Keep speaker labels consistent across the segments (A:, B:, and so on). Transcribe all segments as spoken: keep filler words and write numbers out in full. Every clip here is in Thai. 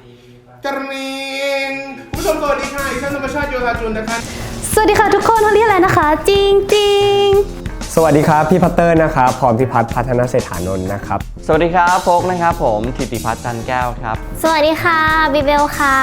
A: กระนิงผู้ชมสวัสดีค่ะอีกท่านธรรมชาติโยธาจุลนะคะ
B: สวัสดีค่ะทุกคนเขาเรียกอะไรนะคะจริงจริง
C: สวัสดีครับพี่พัตเตอร์นะครับพรพิพัฒน์พัฒนเศรษฐานนท์นะครับ
D: สวัสดีครับโฟกนะครับผมธิติพัฒน์จันแก้วครับ
B: สวัสดีค่ะบิเบลค่ะ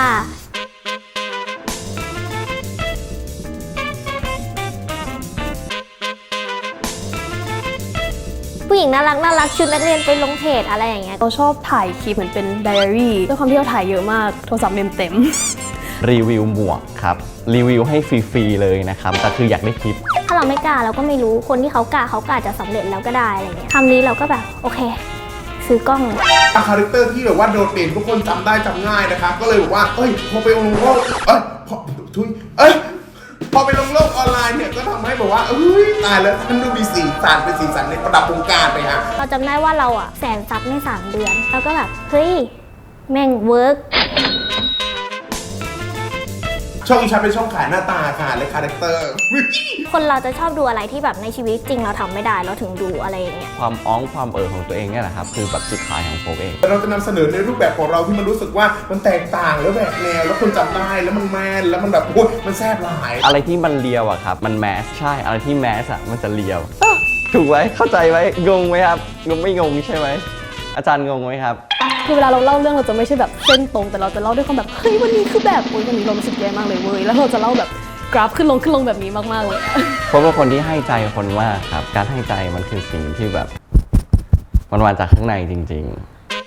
B: ผู้หญิงน่ารักน่ารักชุดนักเรียนไปลงเพจอะไรอย่างเงี้ย
E: เราชอบถ่ายคลิปเหมือนเป็นไดอารี่ด้วยความที่เราถ่ายเยอะมากโทรศัพท์เมมเต็ม
D: รีวิวหมวกครับรีวิวให้ฟรีๆเลยนะครับแต่คืออยากได้คลิป
B: ถ้าเราไม่กล้าเราก็ไม่รู้คนที่เขากล้าเขากล้าจะสำเร็จแล้วก็ได้อะไรเงี้ยคำนี้เราก็แบบโอเคซื้อกล้อง
A: คาแรคเตอร์ที่แบบว่าโดดเด่นทุกคนจำได้จำง่ายนะครับก็เลยบอกว่าเอ้ยพอไปลงโลกเอ้ยพอทุยเอ้ยพอไปลงโลกออนไลน์เนี่ยก็ทำให้แบบว่าเอ้ยตายแล้วท่านดูมีสีสันเป็นสีสันในประดับวงการไปฮะ
B: เราจำได้ว่าเราอะแสนซับในสามเดือนแล้วก็แบบเฮ้ยแม่งเวิร์ก
A: ช่องอีชาเป็นช่องขายหน้าตาค่ะและคาแรคเตอร์
B: คนเราจะชอบดูอะไรที่แบบในชีวิตจริงเราทำไม่ได้เราถึงดูอะไรอย่างเงี้ย
D: ความอ้องความเอ๋อของตัวเองเนี่ยแหละครับคือแบบจุดขายของโฟกเอง
A: เราจะนำเสนอในรูปแบบของเราที่มันรู้สึกว่ามันแตกต่างแล้วแบบแนวแล้วคนจำได้แล้วมันแมนแล้วมันแบบโอ้ยมันแซ่บหลาย
D: อะไรที่มันเลียวอะครับมันแมสใช่อะไรที่แมสอะมันจะเลียวถูกไหมเข้าใจไหมงงไหมครับงงไม่งงใช่ไหมอาจารย์งงไหมครับ
E: คือเวลาเราเล่าเรื่องเราจะไม่ใช่แบบเส้นตรงแต่เราจะเล่าด้วยความแบบเฮ้ยวันนี้คือแบบโอ๊ยวันนี้เรารู้สึกแย่มากเลยเว้ยแล้วเราจะเล่าแบบกราฟขึ้นลงขึ้นลงแบบนี้มากๆเลย
D: เพราะว่าคนที่ให้ใจคนมากครับการให้ใจมันคือสิ่งที่แบบมันมาจากข้างในจริงๆ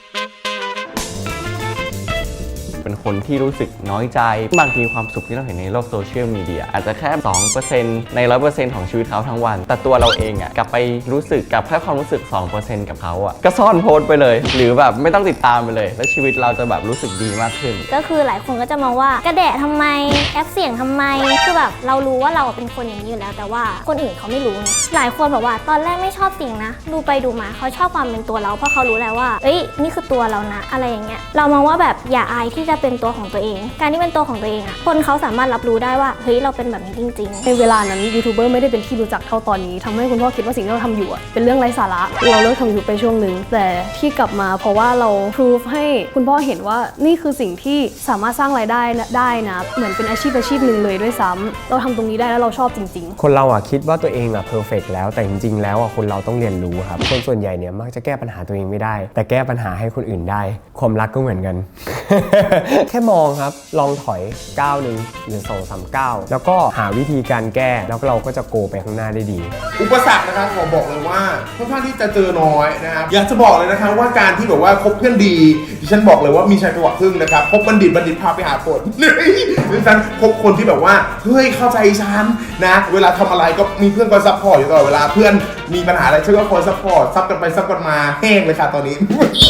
D: เป็นคนที่รู้สึกน้อยใจบางทีความสุขที่เราเห็นในโลกโซเชียลมีเดียอาจจะแค่ สองเปอร์เซ็นต์ ใน ร้อยเปอร์เซ็นต์ ของชีวิตเขาทั้งวันแต่ตัวเราเองอ่ะกลับไปรู้สึกกับแค่ความรู้สึก สองเปอร์เซ็นต์ กับเขาอ่ะก็ซ่อนโพสต์ไปเลยหรือแบบไม่ต้องติดตามไปเลยแล้วชีวิตเราจะแบบรู้สึกดีมากขึ้น
B: ก็คือหลายคนก็จะมองว่ากระแดะทำไมแอปเสียงทำไมคือแบบเรารู้ว่าเราเป็นคนอย่างนี้อยู่แล้วแต่ว่าคนอื่นเขาไม่รู้ไงหลายคนบอกว่าตอนแรกไม่ชอบเสียงนะดูไปดูมาเขาชอบความเป็นตัวเราเพราะเขารู้แล้วว่าเอ้ยนี่คือตัวเรานะอะไรอย่างเงี้ยเรามองว่าแบบอย่าอายที่จะเป็นตัวของตัวเองการที่เป็นตัวของตัวเองอ่ะคนเขาสามารถรับรู้ได้ว่าเฮ้ยเราเป็นแบบนี้จริงๆ
E: ในเวลานั้นยูทูบเบอร์ไม่ได้เป็นที่รู้จักเท่าตอนนี้ทำให้คุณพ่อคิดว่าสิ่งที่เราทำอยู่เป็นเรื่องไร้สาระเราเลิกทำยูทูบไปช่วงหนึ่งแต่ที่กลับมาเพราะว่าเราพิสูจให้คุณพ่อเห็นว่านี่คือสิ่งที่สามารถสร้างรายได้ได้นะเหมือนเป็นอาชีพอาชีพหนึ่งเลยด้วยซ้ำเราทำตรงนี้ได้แล้วเราชอบจริง
C: ๆคนเราอ่ะคิดว่าตัวเองอ่ะเพอร์เฟกต์แล้วแต่จริงๆแล้วอ่ะคนเราต้องเรียนรู้ครับคนส่วนใหญ่เนี่ยมักจะแก้ปัญหาตัวเองไม่ได้แต่แก้ปัญหาให้คนอื่นได้ความรักก็เหมือนกัน แค่มองครับลองถอยก้าวหนึ่งหรือสองสามก้าวแล้วก็หาวิธีการแก้แล้วเราก็จะโกไปข้างหน้าได้ดี
A: อุปสรรคนะครับขอบอกเลยว่าค่อนข้างที่จะเจอน้อยนะครับอยากจะบอกเลยนะครับว่าการที่แบบว่าคบเพื่อนดีดิฉันบอกเลยว่ามีชัยจังหวะครึ่งนะครับคบบัณฑิตบัณฑิตพาไปหาผลดิฉันคบคนที่แบบว่าเฮ้ยเข้าใจฉันนะเวลาทำอะไรก็มีเพื่อนคอยซัพพอร์ตอยู่ตลอดเวลาเพื่อนมีปัญหาอะไรฉันก็คอยซัพพอร์ตซับกันไปซับกันมาแห้งเลยค่ะตอนนี้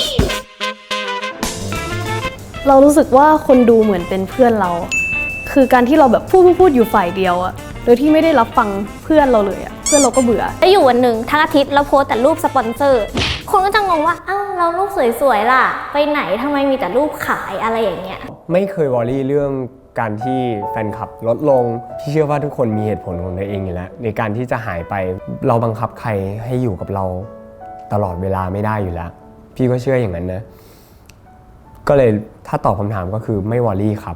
E: เรารู้สึกว่าคนดูเหมือนเป็นเพื่อนเราคือการที่เราแบบพูดพูดอยู่ฝ่ายเดียวอะโดยที่ไม่ได้รับฟังเพื่อนเราเลยอะเพื่อนเราก็เบื่อ
B: จะอยู่วันหนึ่งทั้งอาทิตย์เราโพสแต่รูปสปอนเซอร์คนก็จะงงว่าอ้าวเรารูปสวยๆล่ะไปไหนทำไมมีแต่รูปขายอะไรอย่างเงี้ย
C: ไม่เคยวอรี่เรื่องการที่แฟนคลับลดลงพี่เชื่อว่าทุกคนมีเหตุผลของตัวเองอยู่แล้วในการที่จะหายไปเราบังคับใครให้อยู่กับเราตลอดเวลาไม่ได้อยู่แล้วพี่ก็เชื่ออย่างนั้นนะก็เลยถ้าตอบคำถามก็คือไม่วอรี่ครับ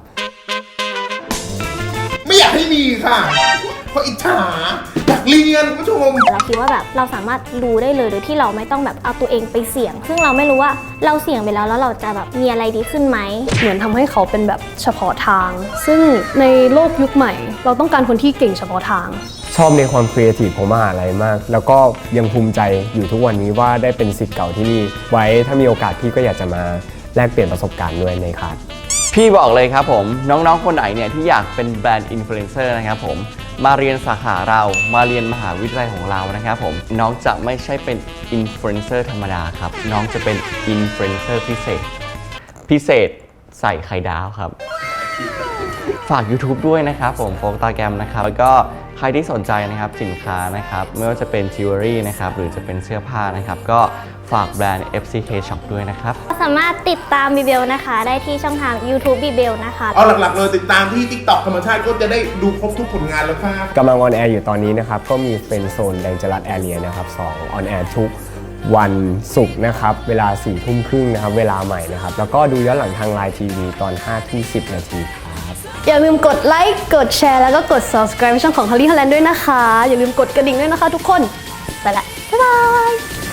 A: ไม่อยากให้มีค่ะเพราะอิจฉาอยากเรียนคุณผู้ชม
B: เราคิดว่าแบบเราสามารถรู้ได้เลยโดยที่เราไม่ต้องแบบเอาตัวเองไปเสี่ยงซึ่งเราไม่รู้ว่าเราเสี่ยงไปแล้วแล้วเราจะแบบมีอะไรดีขึ้นไหม
E: เหมือนทำให้เขาเป็นแบบเฉพาะทางซึ่งในโลกยุคใหม่เราต้องการคนที่เก่งเฉพาะทาง
C: ชอบในความครีเอทีฟของมหาลัยมากแล้วก็ยังภูมิใจอยู่ทุกวันนี้ว่าได้เป็นศิษย์เก่าที่นี่ไว้ถ้ามีโอกาสพี่ก็อยากจะมาแลกเปลี่ยนประสบการณ์ด้วยในคลาส
D: พี่บอกเลยครับผมน้องๆคนไหนเนี่ยที่อยากเป็นแบรนด์อินฟลูเอนเซอร์นะครับผมมาเรียนสาขาเรามาเรียนมหาวิทยาลัยของเรานะครับผมน้องจะไม่ใช่เป็นอินฟลูเอนเซอร์ธรรมดาครับน้องจะเป็นอินฟลูเอนเซอร์พิเศษพิเศษใส่ไข่ดาวครับฝาก YouTube ด้วยนะครับผมโฟกตาแกรมนะครับแล้วก็ใครที่สนใจนะครับสินค้านะครับไม่ว่าจะเป็นจิวเวลรี่นะครับหรือจะเป็นเสื้อผ้านะครับก็ฝากแบรนด์ เอฟ ซี เค Shop ด้วยนะครับ
B: สามารถติดตามบิเบลนะคะได้ที่ช่องทาง YouTube บิเบลนะคะ
A: เอาหลักๆเลยติดตามที่ TikTok ธรรมชาติก็จะได้ดูครบทุกผลงานแล้วครับ
C: กำลังออนแอร์อยู่ตอนนี้นะครับก็มีเป็นโซนแดงจรัสแอเรียนะครับสองออนแอร์ทุกวันศุกร์นะครับเวลาสี่ทุ่มครึ่งนะครับเวลาใหม่นะครับแล้วก็ดูย้อนหลังทางไลน์ทีวีตอนห้าทุ่มสิบนาทีครับ
E: อย่าลืมกดไลค์กดแชร์แล้วก็กด subscribe ช่องของ Holly Holland ด้วยนะคะ อย่าลืมกดกระดิ่งด้วยนะคะทุกคน ไปละ บ๊ายบาย